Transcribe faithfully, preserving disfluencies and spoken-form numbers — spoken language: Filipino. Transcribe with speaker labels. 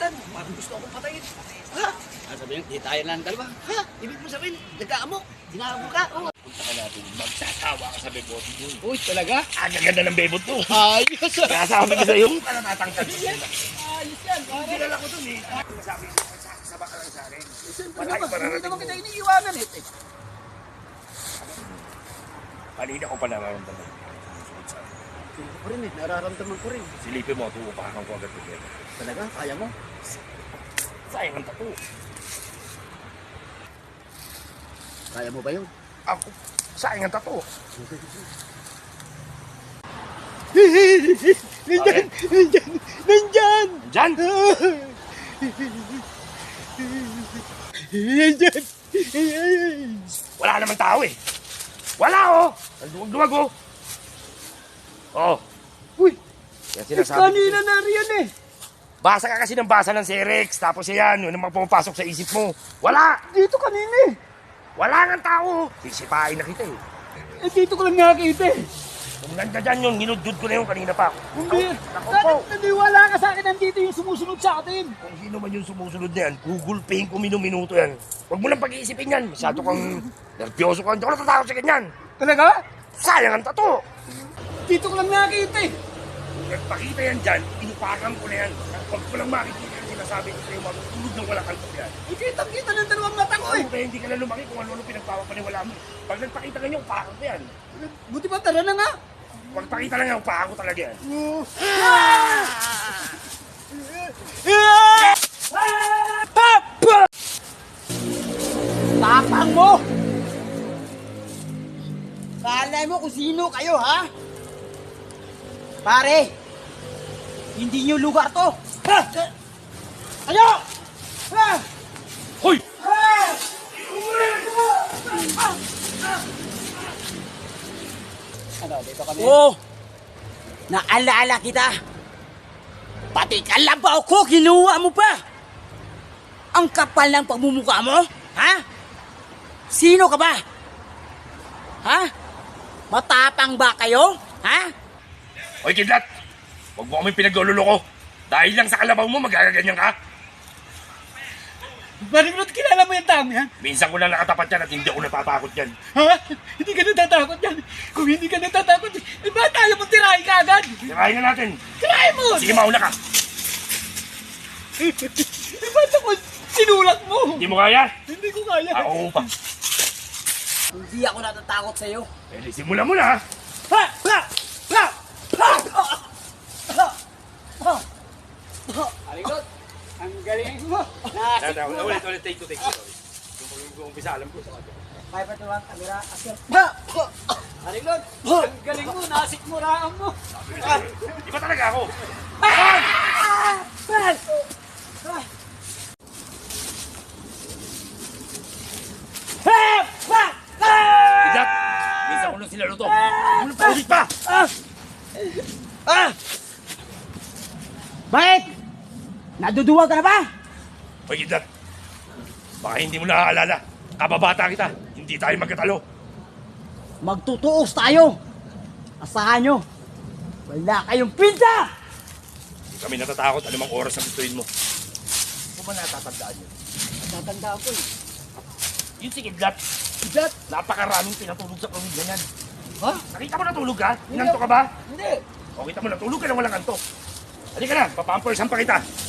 Speaker 1: lapitan. Parang gusto akong patayin. Ha? Ano sabihin, di tayo lang dalawa. Ha? Ibig mo sabihin, nagkaamo. Dinamo ka. Oh.
Speaker 2: Punta ka natin. Magsasawa ka sa bebot mo.
Speaker 1: Uy, talaga?
Speaker 2: Ang ganda ng bebot mo.
Speaker 1: Ayos.
Speaker 2: Kaya sabi ko sa'yo, para natatangkad.
Speaker 1: Ayos yan.
Speaker 2: Hindi na lang ko dun eh. Sabi ko, magsasaba ka lang sa akin.
Speaker 1: Hindi naman kita iniiwanan eh.
Speaker 2: Kanina ko pa nararamdaman.
Speaker 1: Hindi ko rin eh. Nararamdaman ko rin.
Speaker 2: Silipin mo, tuupakan ko agad together.
Speaker 1: Talaga? Kaya mo?
Speaker 2: Sayang ang tato.
Speaker 1: Kaya mo ba yun?
Speaker 2: Ako, sayang ang tato.
Speaker 1: Nandyan! Nandyan! Nandyan!
Speaker 2: Diyan!
Speaker 1: Nandyan!
Speaker 2: Wala naman tao eh. Wala oh! Nagduwag-duwag oh. Oh.
Speaker 1: Uy!
Speaker 2: Yan
Speaker 1: Eh,
Speaker 2: sinasabi.
Speaker 1: kanina na riyan eh.
Speaker 2: Basa ka kasi ng basa ng Serex. Tapos yan, yun ang pumapasok sa isip mo. Wala!
Speaker 1: Dito kanina eh.
Speaker 2: Wala nga tao. Sisipain na kita eh.
Speaker 1: Eh, dito ko lang nakakita eh.
Speaker 2: Kung nanda dyan yun, ninudud ko na yun kanina pa.
Speaker 1: Hindi.
Speaker 2: Naku
Speaker 1: Sana
Speaker 2: po.
Speaker 1: naniwala ka sa akin nandito yung sumusunod sa atin.
Speaker 2: Kung sino man yung sumusunod na yan, Google Pay ko minuminuto yan. Huwag mo lang pag-iisipin yan. Masyado kang nervyoso ka. Hindi ako natatakot sa ganyan.
Speaker 1: Talaga?
Speaker 2: Sayang ang tato.
Speaker 1: Dito ko lang nakakita eh.
Speaker 2: Kung nagpakita yan dyan, inupakan ko na yan. Huwag ko lang makikita yung sinasabi ko sa'yo, matutulog ng walang kaltok yan.
Speaker 1: Ikitang-kita ng dalawang mata ko eh.
Speaker 2: Oo, kaya hindi ka na lumaki kung ano-ano pinagpapaniwala mo. Pag nagpakita ka niyo, upakan ko yan.
Speaker 1: Buti ba tara na nga?
Speaker 2: Huwag pakita lang yan, upakan ko talaga yan.
Speaker 1: Tapang mo! Kala mo kung sino kayo, ha? Pare, hindi nyo lugar to. Ha? Kayo! Ha?
Speaker 2: Hoy!
Speaker 1: Ha? Ano, dito kami?
Speaker 3: Oh, naalala kita. Pati kalabaw ko, kinuha mo pa. Ang kapal ng pagmumukha mo, ha? Sino ka ba? Ha? Matapang ba kayo, ha?
Speaker 2: Hoy, kidlat! Huwag mo kami pinaglululo ko. Dahil lang sa kalabaw mo, magagaganyan ka.
Speaker 1: Maringlot, kilala mo yung tao yan?
Speaker 2: Minsan ko lang nakatapat yan at hindi ako natatakot yan.
Speaker 1: Ha? Hindi ka natatakot yan. Kung hindi ka natatakot, eh ba tayo mong tirahin ka agad?
Speaker 2: Tirahin na natin.
Speaker 1: Tirahin mo!
Speaker 2: Sige, mauna ka.
Speaker 1: Eh ba't ako sinulat mo?
Speaker 2: Hindi mo kaya?
Speaker 1: Hindi ko kaya.
Speaker 2: Ako pa.
Speaker 3: Hindi ako natatakot sa'yo.
Speaker 2: Eh, simula mo na ha.
Speaker 1: Ha! Ha! Ha! Ha! Ha! Aligot, ang galing mo. Nasik mo.
Speaker 2: Ulit, ulit, take two, take two. Yung umpisa, alam ko sa kanya.
Speaker 1: Kaya pa ito ang kamera. Ha! Aligot, ang galing mo. Nasik mo raan mo.
Speaker 2: Di ba talaga ako? Kidlat! Minsan ko lang sila luto. Ano pa ulit pa?
Speaker 1: Ah! Bakit? Naduduwag ka na ba?
Speaker 2: Hoy, Kidlat. Baka hindi mo naaalala. Kababata kita. Hindi tayo magkatalo.
Speaker 3: Magtutuos tayo. Asahan nyo. Wala kayong pinta!
Speaker 2: Hindi kami natatakot anumang oras na gustuin mo. Ano ba natatandaan yun?
Speaker 1: Natatandaan ko eh.
Speaker 2: Yun si Kidlat.
Speaker 1: Kidlat?
Speaker 2: Napakaraming pinatulog sa pamilya niyan.
Speaker 1: Ha?
Speaker 2: Nakita mo natulog ka? Inanto ka ba?
Speaker 1: Hindi.
Speaker 2: O kita mo natulog ka na walang antok. Halika na, papampursan pa kita.